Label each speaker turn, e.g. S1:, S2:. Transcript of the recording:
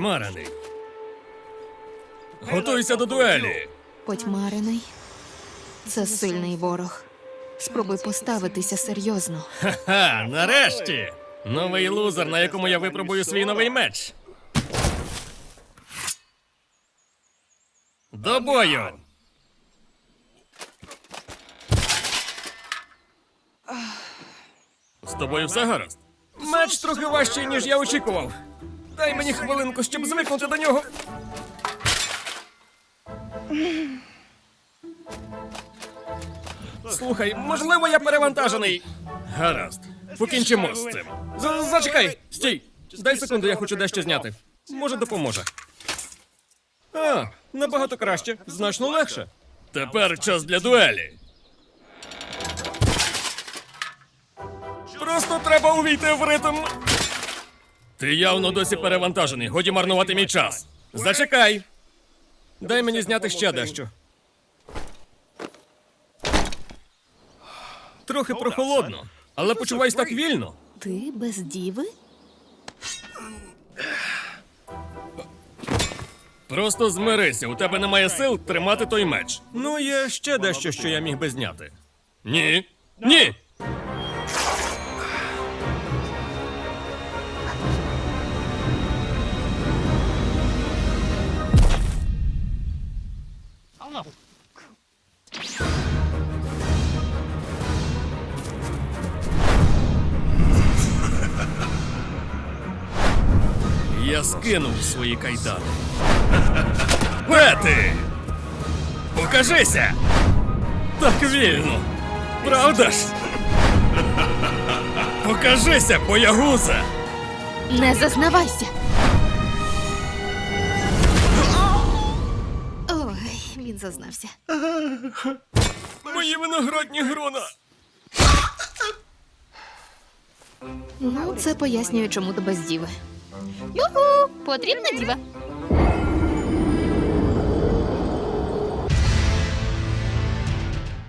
S1: Потьмарений. Готуйся до дуелі.
S2: Потьмарений. Це сильний ворог. Спробуй поставитися серйозно.
S1: Ха-ха, нарешті! Новий лузер, на якому я випробую свій новий меч. До бою! З тобою все гаразд? Меч трохи важчий, ніж я очікував. Дай мені хвилинку, щоб звикнути до нього. Слухай, можливо, я перевантажений. Гаразд. Покінчимо з цим. Зачекай! Стій! Дай секунду, я хочу дещо зняти. Може, допоможе. А, набагато краще. Значно легше. Тепер час для дуелі. Просто треба увійти в ритм. Ти явно досі перевантажений. Годі марнувати мій час. Зачекай. Дай мені зняти ще дещо. Трохи прохолодно, але почуваюсь так вільно.
S2: Ти без діви?
S1: Просто змирися, у тебе немає сил тримати той меч. Ну, є ще дещо, що я міг би зняти. Ні. Ні! Я скинув свої кайдани. Пети! Покажися! Так вільно! Правда ж? Покажися, боягуза!
S2: Не зазнавайся! Ой, він зазнався.
S1: Мої виноградні грона!
S2: Ну, це пояснює, чому ти без діви. Юху! Потрібна діва.